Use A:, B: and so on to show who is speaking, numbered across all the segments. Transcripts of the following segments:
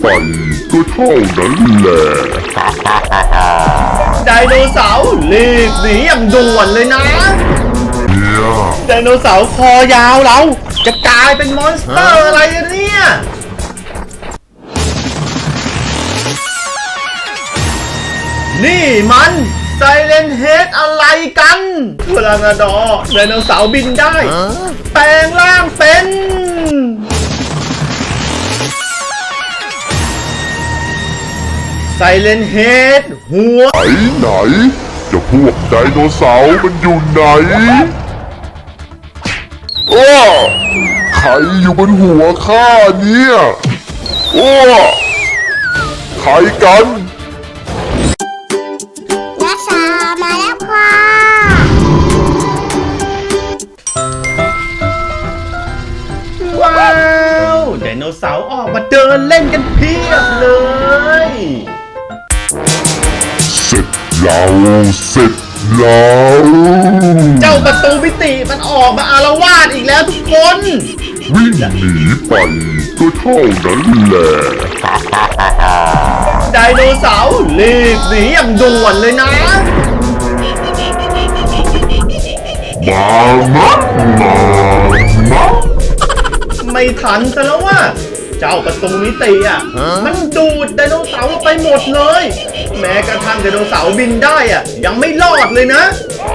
A: ก็เท่านั้นแหละ
B: ไดโนเสาร์รีบหนีอย่างด่วนเลยนะไดโนเสาร์คอยาวเราจะกลายเป็นมอนสเตอร์อะไรเนี่ยนี่มันไซเลนเฮดอะไรกันเวลานาดอไดโนเสาร์บินได้แปลงร่างเป็นไซเลนเฮดหัว
A: ไหนจะพวกไดโนเสาร์มันอยู่ไหนใครอยู่บนหัวข้าเนี่ยใครกัน
C: นักษามาแล้วค่ะ
B: ว้าวไดโนเสาร์ออกมาเดินเล่นกันเพียบเลย
A: เสร็จแล้ว
B: เจ้าประตูมิติมันออกมาอาละวาดอีกแล้วทุกคน
A: วิ่งหนีไปก็เท่านั้นแหละ
B: ไดโนเสาร์รีบหนีอย่างด่วนเลยนะ
A: มา
B: ไม่ทันซะแล้วว่าเจ้าประตูมิติมันดูดไดโนเสาร์ไปหมดเลยแม้กระทั่งไดโนเสาร์บินได้ยังไม่รอดเลยนะ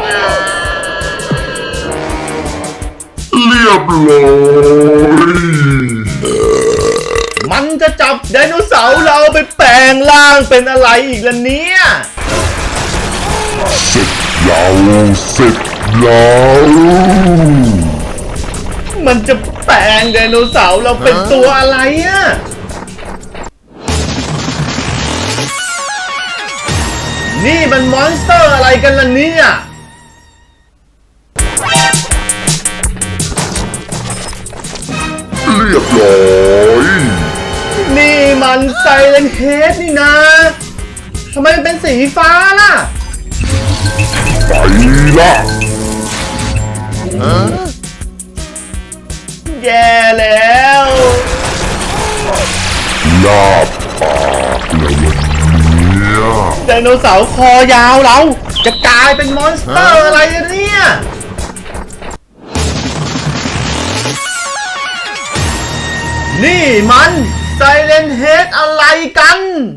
A: เรียบร้อย
B: มันจะจับไดโนเสาร์เราไปแปลงร่างเป็นอะไรอีกล่ะเนี่ย
A: เสร็จแล้ว
B: มันจะแปลงไดโนเสาร์เราเป็นตัวอะไรนี่มันมอนสเตอร์อะไรกันล่ะเนี่ย
A: เรียบร้อย
B: นี่มันไซเลนเฮดนี่นะทำไมมันเป็นสีฟ้าล่ะ
A: ไปละ
B: แย่แล้ว
A: ลาบปากเลยเนี่ย
B: ไดโนเสาร์คอยาวเราจะกลายเป็นมอนสเตอร์อะไรเนี่ยนี่มันไซเลนเฮดอะไรกัน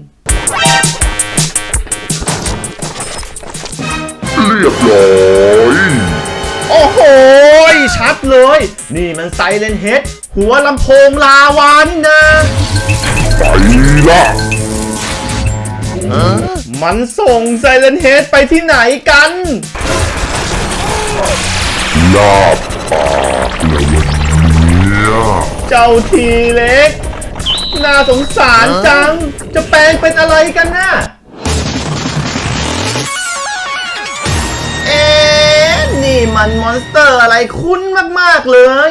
A: เรียบร้อย
B: โอ้โหชัดเลยนี่มันไซเลนเฮดหัวลำโพงลาวานี่นะ
A: ไปละ
B: มันส่งไซเลนเฮดไปที่ไหนกัน
A: ลาบปากเลยเนี่ย
B: เจ้าทีเล็กน่าสงสารจังจะแปลงเป็นอะไรกันน่ะนี่มันมอนสเตอร์อะไรคุ้นมากๆเลย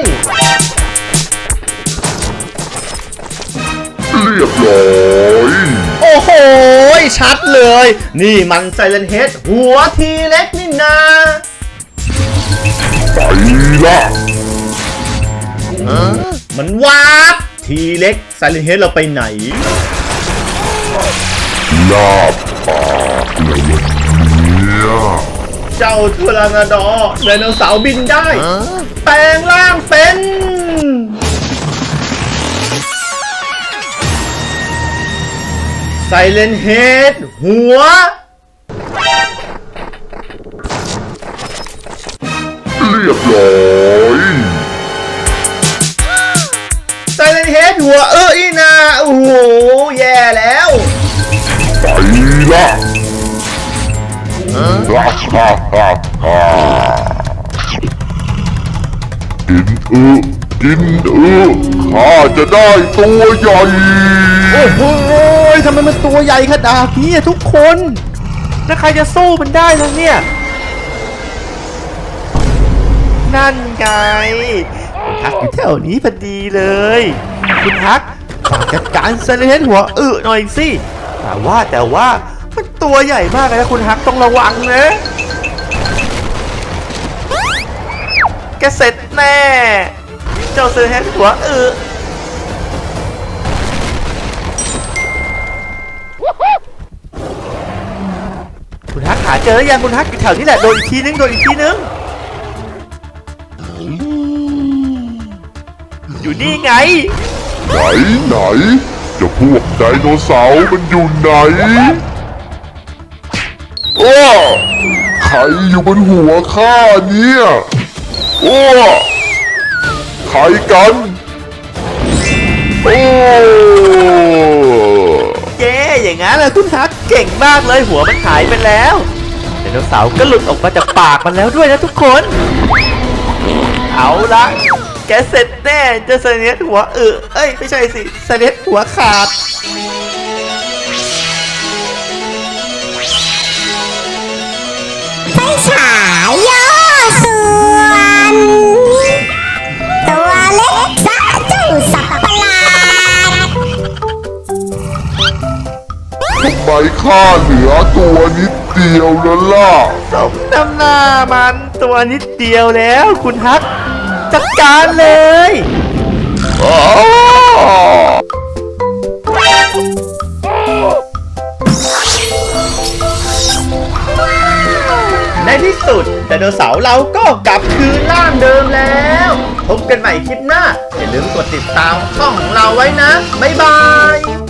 A: เรียบร้อย
B: โอ้โหชัดเลยนี่มันไซเลนเฮดหัวทีเล็กนี่นา
A: ไปละ
B: มันวาดทีเล็กไซเลนเฮดเราไปไหน
A: ลาบปากเลยเนี่ย
B: เจ้าเทอรานาดอร์ไดโนเสาร์บินได้แปลงร่างเป็นไซเลนเฮดหัว
A: เรียบร้อย
B: ไซเลนเฮดหัวอีนาโอ้โหแย่แล้ว
A: ไปละกินข้าจะได้ตัวใหญ่
B: โอ้โหทำไมมันตัวใหญ่ขนาดนี้ทุกคนแล้วใครจะสู้มันได้ล่ะเนี่ยนั่นไงคุณฮักอยู่แถวนี้พอดีเลยคุณฮักฝากจัดการไซเลนเฮดหัวหน่อยสิแต่ว่ามันตัวใหญ่มากเลยนะคุณฮักต้องระวังนะแกเสร็จแน่เจ้าไซเลนเฮดหัวเจอยังคุณฮักอยู่แถวนี้แหละโดนอีกทีนึงอยู่นี่ไง
A: ไหนเจะพวกไดโนเสาร์มันอยู่ไหนอ้อใครอยู่บนหัวข้าเนี่ยอ้อใครกันโอ้
B: เย้อย่างงั้นเลยคุณฮักเก่งมากเลยหัวมันหายไปแล้วไดโนเสาร์ก็หลุดออกมาจากปากมันแล้วด้วยนะทุกคนเอาละแกเสร็จแน่เจะเสนียดหัวเอ้ยไม่ใช่สิเสนียดหัวขาด
C: ไฟฉายย่อส่วน ตัวเล็กซะเจ้าสัตว์ประหลาด
A: ทำไมข้าเหลือตัวนิดเดียวแล้วล่ะ
B: สมน้ำหน้ามันตัวนิดเดียวแล้วคุณฮักจัดการเลย
A: อ้าว
B: ในที่สุดไดโนเสาร์เราก็กลับคืนร่างเดิมแล้ว พบกันใหม่คลิปหน้า อย่าลืมกดติดตามช่องของเราไว้นะ บ๊ายบาย